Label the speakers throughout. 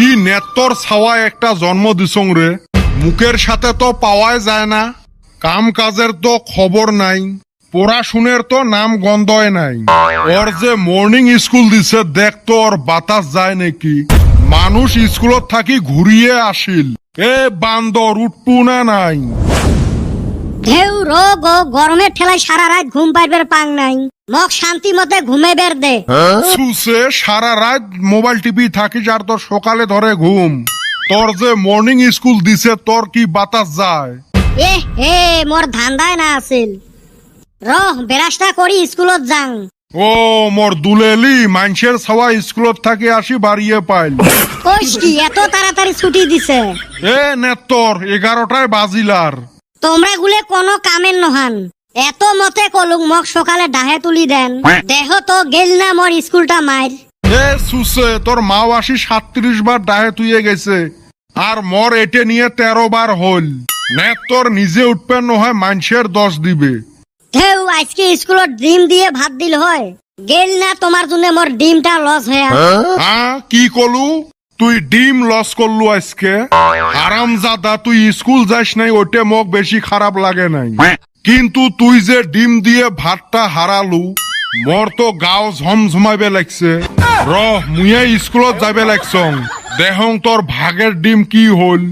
Speaker 1: কি নেত্তর ছাওয়া একটা জন্ম দিছং রে, মুখের সাথে তো পাওয়াই যায় না, কাম কাজের তো খবর নাই, পড়াশুনের তো নাম গন্ধই নাই। ওর যে মর্নিং স্কুল দিছে দেখ তো ওর বাতাস যায় নাকি, মানুষ স্কুলত থাকি ঘুরিয়ে আসিল। এ বান্দর উঠপু না নাই?
Speaker 2: ঢেউ রোগ ও গরমের ঠেলায় সারা রাত ঘুম পাইবার পাং নাই, মক শান্তি মতে ঘুমে বের দে।
Speaker 1: সুসে সারা রাত মোবাইল টিপি থাকিস আর তোর সকালে ধরে ঘুম। তোর যে মর্নিং স্কুল দিছে তোর কি বাতাস যায়?
Speaker 2: এ হে মোর ধান্দায় না আছিল, রহ বেরাসটা করি স্কুলত যাং।
Speaker 1: ও মোর দুলেলি মানুষের ছাওয়া স্কুলত থাকি আসি বাড়িয়ে পাইল।
Speaker 2: কইস কি এত তাড়াতাড়ি ছুটি দিছে?
Speaker 1: এ নেত্তর 11টায় বাজিলার।
Speaker 2: তোমরা গুলে কোনো কামের নহান, এত মতে কলুক মক সকালে ডাহে তুলি দেন, দেহ তো গেল না মোর স্কুলটা মাইর।
Speaker 1: এ সুসে তোর মাও আসি 37 বার ডাহে তুইয়ে গেছে, আর মর এটে নিয়ে 13 বার হল। নেত্তর নিজে উঠবেন নহয় মানুষের দোষ দিবে।
Speaker 2: ঢেউ আজকে স্কুলত ডিম দিয়ে ভাত দিল হয়, গেল না তোমার জন্য মোর ডিমটা লস হয়ে।
Speaker 1: কি কলু তুই ডিম লস করলু আজকে? হারামজাদা তুই স্কুল যাস নাই ওইটা মোক বেশি খারাপ লাগে নাই, কিন্তু তুই যে ডিম দিয়ে ভাতটা হারালু মোর তো গাও ঝমঝমাইবে লাগছে। রহ মুয়ে স্কুলত যাবে লাগছং, দেহং তোর ভাগের ডিম কি হল।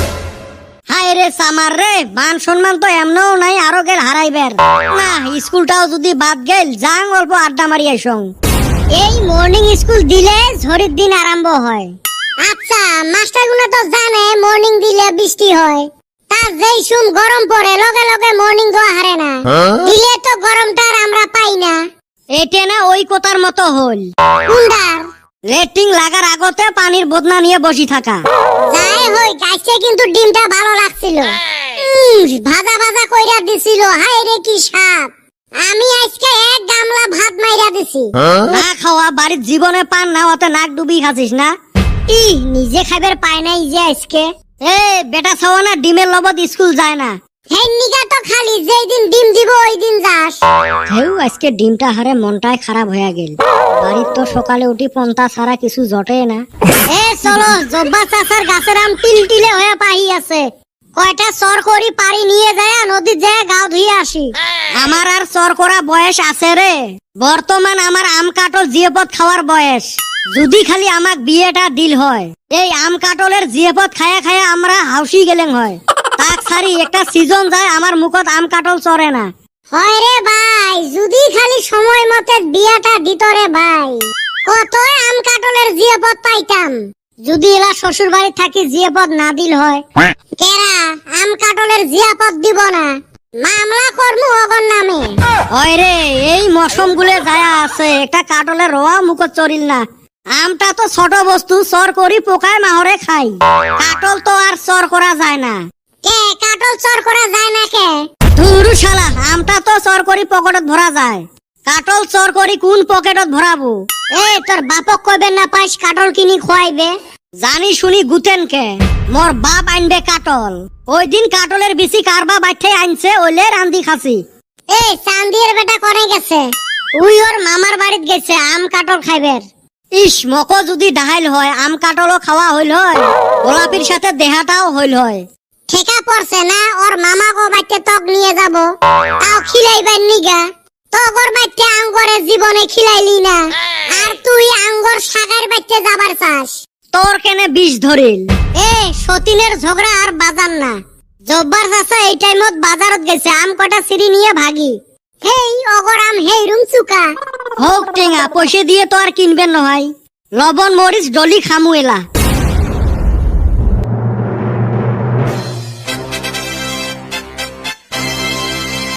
Speaker 2: হায় রে সামার রে, মান সম্মান তো এমনও নাই আরো গেল হারাইবার না। স্কুলটাও যদি বাদ গেল যাং অল্প আড্ডা মারি আইসং। এই মর্নিং স্কুল দিলে ঝড়ির দিন আরম্ভ হয়।
Speaker 3: আচ্ছা মাস্টারগুলো তো জানে মর্নিং দিলে বৃষ্টি হয়, তার যেই সুম গরম পড়ে লগে লগে মর্নিং দেওয়া হারে না, দিলে তো গরমটা আর আমরা পাই না।
Speaker 2: এটা না ওই কথার মতো হল,
Speaker 3: কুন্ডার
Speaker 2: রেটিং লাগার আগতে পানির বদনা নিয়ে বসি থাকা।
Speaker 3: যাই হই গাইছে কিন্তু ডিমটা ভালো লাগছিল, ভাজা ভাজা কইরা দিছিল, হায় রে কি স্বাদ। আমি আজকে এক গামলা ভাত মাইরা দিছি।
Speaker 2: না খাওয়া বাড়ির জীবনে পান না, অতে নাক ডুবি খাচ্ছিস না?
Speaker 3: ই নিজে খাইবার পায় নাই যে আজকে।
Speaker 2: এ বেটা ছাওয়া না ডিমের লবত স্কুল যায় না।
Speaker 3: হেই নিগা তো খালি যেই দিন ডিম দিব ওই দিন যাস।
Speaker 2: হেউ আজকে ডিমটা হারে মনটাই খারাপ হয়ে গেল, বাড়ির তো সকালে উঠি পন্তা ছাড়া কিছু জটে না।
Speaker 3: এ চলো জব্বা চাচার গাছের আম টিলটিলে হয়ে পাহি আছে, কয়টা সর করি পারি নিয়ে যায় নদীর যায় গাও ধুয়ে আসি।
Speaker 2: আমার আর চর করা বয়স আছে রে, বর্তমান আমার আম কাটল জিয়েপদ খাওয়ার বয়স। যদি খালি আমাক বিয়েটা দিল হয়, এই আম কাটলের জিয়েপদ খায়া খায়া আমরা হাউসি গেলেন হয়। তাক ছাড়ি একটা সিজন যায় আমার মুখত আম কাটল চরে না।
Speaker 3: হয় রে ভাই, যদি খালি সময় মতে বিয়াটা দিত রে ভাই, কত আম কাটলের জিয়াপদ পাইতাম।
Speaker 2: যদি এলা শ্বশুর বাড়ি থাকি জিয়েপদ না দিল হয়,
Speaker 3: কেরা আম কাটলের জিয়াপদ দিব না, মামলা করমু অগর নামে।
Speaker 2: হয় রে এই মৌসুম গুলে যায়া আছে, একটা কাটলের রোয়া মুখত চরিল না। আমটা তো ছোট বস্তু, চর করি পোকায় মাহরে খাই, কাটল তো আর চর করা যায় না।
Speaker 3: কে কাটল চর করা যায় না কে?
Speaker 2: ধুরু শালা, আমটা তো চর করি পকেটত ভরা যায়, কাটল চর করি কোন পকেটত ভরাবো?
Speaker 3: এ তোর বাপক কইবে না পাইস কাটল কিনি খোয়াইবে?
Speaker 2: জানি শুনি গুতেন কে, মোর বাপ আনবে কাটল। ওই দিন কাটলের বিচি কারবা বাইঠে আনছে, ওইলে রান্দি খাসি।
Speaker 3: এ চান্দির বেটা করে গেছে?
Speaker 2: উই ওর মামার বাড়িত গেছে আম কাটল খাইবের। ইস মকো যদি ডাহাইল হয় আম কাটলও খাওয়া হইল হয়, গোলাপির সাথে দেহাটাও হইল হয়।
Speaker 3: ঠেকা পড়ছে না ওর মামা গো বাইতে তক নিয়ে যাব, তাও খিলাইবার নিগা। তগর বাইতে আঙ্গরে জীবনে খিলাইলি না, আর তুই আঙ্গর সাগার বাইতে যাবার চাস।
Speaker 2: তোর কেনে বিষ ধরিল?
Speaker 3: এ সতীনের ঝগড়া আর বাজার না। জব্বার চাচা এই টাইমত বাজারত গেছে, আম কটা সিঁড়ি নিয়ে ভাগি। হেই অগর আম হেই রুম চুকা।
Speaker 2: হোক টেঙা পয়সা দিয়ে তো আর কিনবেন নহয়, লবণ মরিচ ডলি খামু এলা।